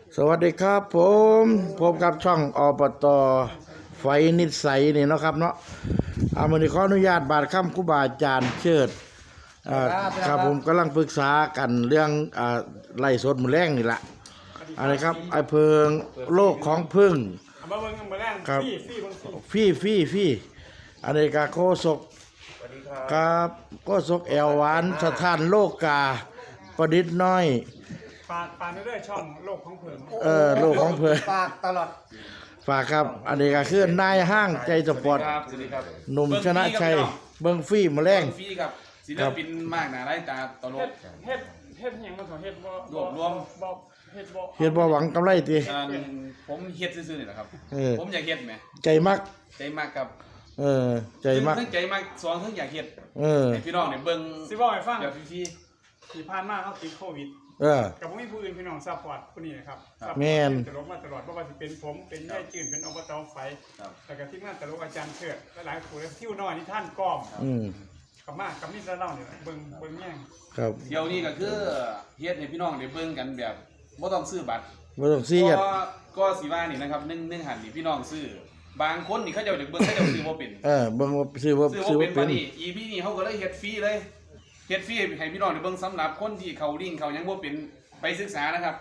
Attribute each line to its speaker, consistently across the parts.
Speaker 1: สวัสดีครับผมพบกับช่องอบต.ไฟนิสัยนี่เนาะครับเนาะมื้อนี้ขออนุญาตบาดค่ำครูบาอาจารย์เชิดครับผมกำลังปรึกษากันเรื่องไล่สดมื้อแรงนี่ล่ะอะไรครับไอ้เพิงโลกของพึ่งครับฟี่อันนี้ก็โคศกครับโคศกแอวหวานสถานโลกกาประดิษฐ์น้อย
Speaker 2: ฝากเรื่อยๆช่องโลกของเพิ่น
Speaker 1: โลกของเพิ่น
Speaker 3: ฝากตลอด
Speaker 1: ฝากครับอันนี้ก็คือนายห้างใจสปอร์ตหนุ่มชนะชัยเบิ้งฟี่มาแรง
Speaker 4: ฟรีกับศิลปินมากหนาไร้ตาตลก
Speaker 2: เฮ็ดหยังมาสอนเฮ็ดบ่
Speaker 4: รวบรวม
Speaker 2: เฮ็ดบ่
Speaker 1: หวังกำไรติ
Speaker 4: ผมเฮ็ดซื่อๆนี่แหละครับผมอยากเฮ็ดแหม
Speaker 1: ใจมัก
Speaker 4: กับ
Speaker 1: ใจมัก
Speaker 4: ทั้งใจมักสองทั้งอยากเฮ็ดให้พี่น้องเนี่ยเบิ่ง
Speaker 2: สิบอกให้ฟัง
Speaker 4: เดี๋ยวฟรี
Speaker 2: ที่ผ่านมาเขาติดโควิดกับบ่มีผู้อื่นพี่น้องซัพพอร์ตผู้นี้นะครับ
Speaker 1: แม่น
Speaker 2: ตลกมาตลอดบ่ว่าสิเป็นผมเป็นยายจื่นเป็นอบต.ไฟแล้วก็ทีมงานตลกอาจารย์เชิดหลายๆผู้ทิวน้อยนี่ท่านก้อมกับมีแต่เล่านี่เบิ่งแย่ง
Speaker 1: ครับ
Speaker 4: เดี๋ยวนี้ก็คือเฮ็ดให้พี่น้องได้เบิ่งกันแบบบ่ต้องซื้อบัตร
Speaker 1: บ่ต้องซื้อ
Speaker 4: ก็สิว่านี่นะครับ1หันนี่พี่น้องซื้อบางคนนี่เขาจะเบิ่งเขาจะซื้อบ่เป็น
Speaker 1: เบิ่งซื้อบ่
Speaker 4: เป็นนี่ EP นี่เขาก็เลยเฮ็ดฟรีเลยเฮ็ดฟรีให้พี่น้องได้เบิ่งสำหรับคนที่เขาลิงก์เขายังบ่เป็นไปศึกษานะครับ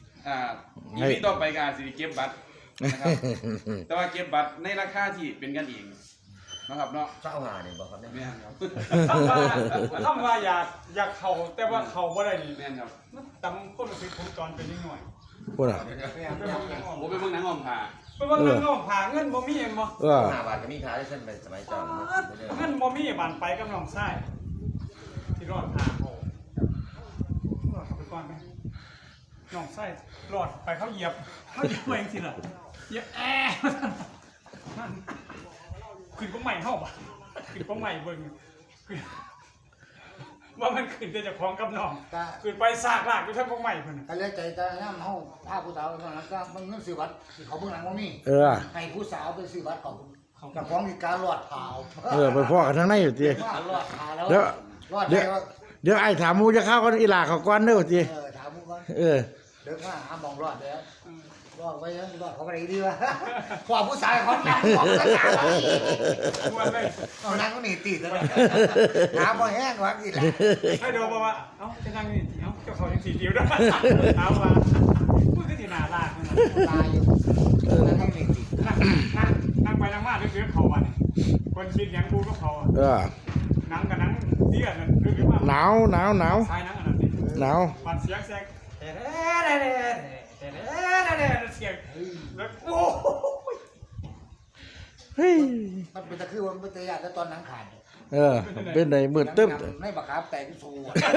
Speaker 4: EP ต่อไปก็สิเก็บบัตรนะครับแต่ว่าเก็บบัตรในราคาที่เป็นกันเองนะครับเนาะ
Speaker 3: 25นี่บ่ครับ
Speaker 4: แม่นครับ
Speaker 2: คำว่าอยากเข้าแต่ว่าเข้าบ่ได้นี่
Speaker 4: แม่นครับ
Speaker 2: ตำคนสิผมตอนเป็นนิดหน่อย
Speaker 1: พุ่นน่ะ
Speaker 4: ผมไปเบิ่งหนังอ้อมผ้า
Speaker 2: ไปเบิ่งหนังอ้อมผ้าเงินบ่มีบ่
Speaker 3: 5 บาทก็มีขายได้เส้นไปสมัยก่อน
Speaker 2: เงินบ่มีบานไปกับน้องชายที่รอดหาเขาไปก่อนไหมน้องไส้รอดไปเขาเหยียบเองสิล่ะเหยียบขึ้นก็ใหม่เข้าป่ะขึ้นก็ใหม่เบิ่งว่ามันขึ้นแต่จะคล้องกับน้องขึ้นไปซากลากอยู่ทั้งก็ใหม่เพิ่น
Speaker 3: ก็เลยใจตาย่ำเฮาพาผู้สาวตอนนั้นก็มันเงินซื้อบัตรเขาเบิ่งหนังบ่มีให้ผู้สาวไปซื้อบัตรเขากับของมีการรอดเผา
Speaker 1: ไปพ่อกันทั้งในอยู่ติ
Speaker 3: รอดเผาแล้ว
Speaker 1: เดี๋ยวไอ้ถามมูจะเข้ากันอีหลาเขาก่อนเด้อติ
Speaker 3: ถามมูก่อนเดี๋ยวหามองรอดแล้วรอดไว้ยังรอดเขาไปดีวะพอผู้ชายเขานั่งเขานั่งก็หนีตีกันเลยหาบ่แห้งวะอีหล่ะ
Speaker 2: ให้ดูว่าเอ้าจะนั่งนี่เอ้าเจ้าเขายังสีเดียวด้วยเอาว่าพูดก็ที่หน้าลาก
Speaker 3: ตายอยู่นั่งหนีตี
Speaker 2: นั่งไปนั่งมาเรื่อยๆเขาวันคนคิดยังกูก็เขานั่งกับนั่งเตี้ยนั่นเรื่อยๆมา
Speaker 1: หนาว
Speaker 2: ใช่นั่งอันนั้น
Speaker 1: หนาว
Speaker 2: ปัดเสียงแซงเสียงแล้วโอ้
Speaker 1: เฮ้ย
Speaker 3: มันเป็นตะคือมันเป็นตะยาแต่ตอนนังขาด
Speaker 1: เป็นไหนมืดตึ๊บ
Speaker 3: ไม่บักครับแต่ที่สู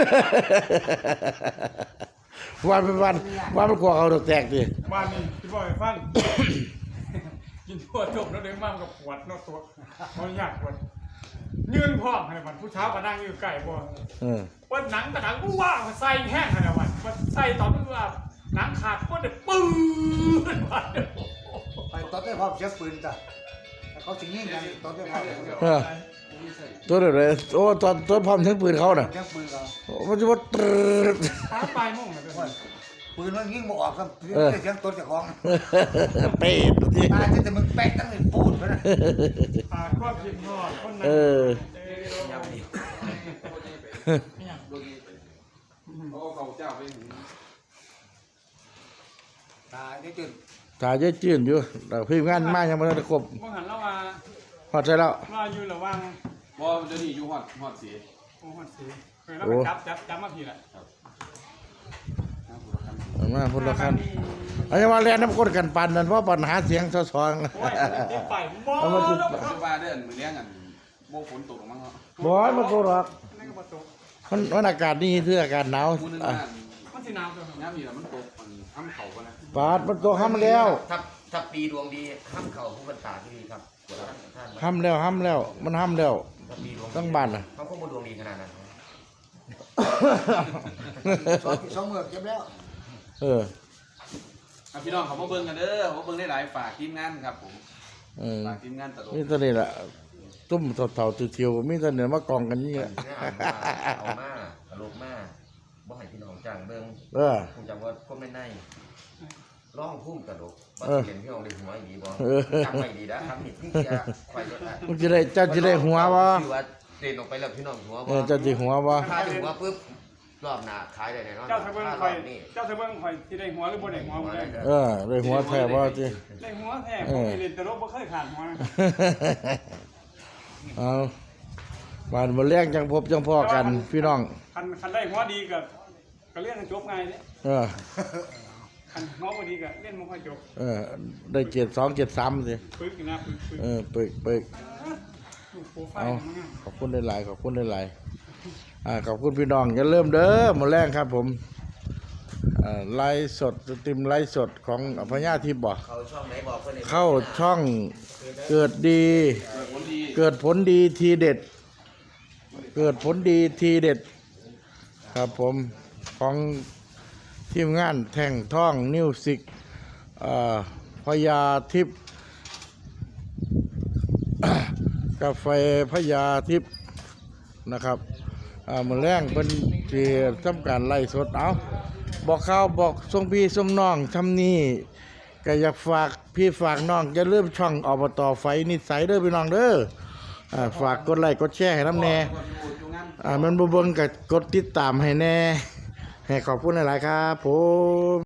Speaker 1: วันเป็นกลัวเขาแตกดิ
Speaker 2: วันนี้พี่บอยฟังกินทั่วจบแล้วเดินมากับปวดนอกตัวมันยากปวดยืนพร้อมให้มันผู้เช้าก็นั่งอยู่ไก่บ่วันหนังแต่หนังกูว่าใส่แห้งขนาดวันใส่ตอนนั้นว่าหนังขาดก็เด็ดปื้น
Speaker 3: ไปตอนได้พร้อมเช็คปืนจ้ะเขาสิงยิงกันตอนได้พร้อม
Speaker 1: ตัวเดียวเลยโอ้ตอนพร้อมเช็คปืนเขาน่ะ
Speaker 3: เช็คปืนเขา
Speaker 1: มันจะว่า
Speaker 2: หาปลายมุ่งเลย
Speaker 3: ปืนมันยิงบ่ออกครับเสียงต้นจากของ
Speaker 1: เป็ด
Speaker 3: ตายจะมึงแป๊กตั้งแต่ปูดไปนะ
Speaker 2: ความคิดทอดคนนั้น
Speaker 4: เขาเจ้าไป
Speaker 3: ตายได้จื
Speaker 1: ดอยู่แต่พี่งานมากยังไม่ได้ครบ
Speaker 2: เมื่อหันแล้วมา
Speaker 1: หอดใจแล้ว
Speaker 2: ว่าอยู่ระวัง
Speaker 4: ว่าจะนี่อยู่หอดสี
Speaker 2: หอดสีเคยแล้วไปจับมาผีแหละ
Speaker 1: มาพูดละคันอันนี้ว่าเรียนน้ำก้นกันปันนั่นเพราะปัญหาเสียงซ้อน
Speaker 2: ไปบ่
Speaker 4: บ้าเดินมือเลี้ยงกันโบฝนตกมั้ง
Speaker 1: บ่มันโกรธมันอากาศนี่คืออากาศหนาว
Speaker 2: มันสิหนาวจัง
Speaker 4: น้ำมีแล้วมันตกห้ำเข่ากันนะ
Speaker 1: ปาดมันตกห้ำแล้ว
Speaker 3: ถ้าปีดวงดีห้ำเข่าผู้บรรดาที่ดีครับ
Speaker 1: ห้ำแล้วมันห้ำแล้วตั้งบ้านน่ะ
Speaker 3: เขาคงดวงดีขนาดนั้นสองเมือกเก็บแล้ว
Speaker 4: พี่น้องเขามาเบิ่งกันเด้อเขาเบิ่งได้หลายฝากทีมงานครับผมฝากทีมงานตลก
Speaker 1: นี่ตอนนี้แหละตุ้มเต่าเทียวมีตอนนี้มากองกันนี่แหละ
Speaker 3: เอามาตลกมาบ่ให้พี่น้องจ้างเบิ่งคงจำว่าก็ไม่ได้
Speaker 5: ร้องพุ่มกระดกว่าเห็นพี่น้องได้หัวดีบ่จำไม่ดีนะทำผิดที่จะคอยลดได้
Speaker 1: มึงจะได้เจ้าจะได้หัวบ่
Speaker 5: คือว่าเดินออกไปแล้วพี่น้องหัวบ่
Speaker 1: เจ้าสิหัวบ่
Speaker 5: ถ้าได้หัวปุ๊บรอบหน้าขายได้แน่นอน
Speaker 2: เจ้าเสบิ้ง
Speaker 5: ถ้าร
Speaker 2: คอ
Speaker 5: อย บนี้
Speaker 2: เจ้าเสบิ้งคอยสิได้หัวหรือบ่ได้หัวบ่ได้
Speaker 1: ได้หัวแท้บ่ติ
Speaker 2: ได้หัวแท้ผมเล่นตลกบ่เคยขาดหัวนะ
Speaker 1: เอาบ้านบ่แรงจังพบจังพ้อกันพี่น้อง
Speaker 2: คันได้หัวดีก็เรียนจบง่ายเด้ คันหัวบ่ดีก็เรียนบ่ค่อยจบ
Speaker 1: ได้เกียรติ2เกียรติ3สิ
Speaker 2: ปึกนะปึก
Speaker 1: ปึก
Speaker 2: ลูกโปรไฟ
Speaker 1: เอา
Speaker 2: ล์มันงาม
Speaker 1: ขอบคุณหลายๆขอบคุณหลายๆขอบคุณพี่น้องอย่าเริ่มเด้อมื้อแรงครับผมไลฟ์สดสตรีมไลฟ์สดของพญาทิพย์บ่
Speaker 5: เขาช่องไหนบอกเพิ่น
Speaker 1: เข้าช่องเกิดดี
Speaker 4: ผลดี
Speaker 1: เกิดผลดีทีเด็ด เกิดผลดีทีเด็ด ครับผมของทีมงานแท่งท่องมิวสิกพญาทิพย์ กาแฟพญาทิพย์นะครับมื้อแรงเป็นที่ทำการไล่สดเอาบอกข่าวบอกส่งพี่ส่งน้องทำนี่ก็อยากฝากพี่ฝากน้องอย่าลืมช่องอบตไฟนิสัยเด้อพี่น้องเด้อฝากกดไลค์กดแชร์ให้น้ำแน่มันบ่เบิ่งก็กดติดตามให้แน่ให้ขอบคุณหลายๆครับผม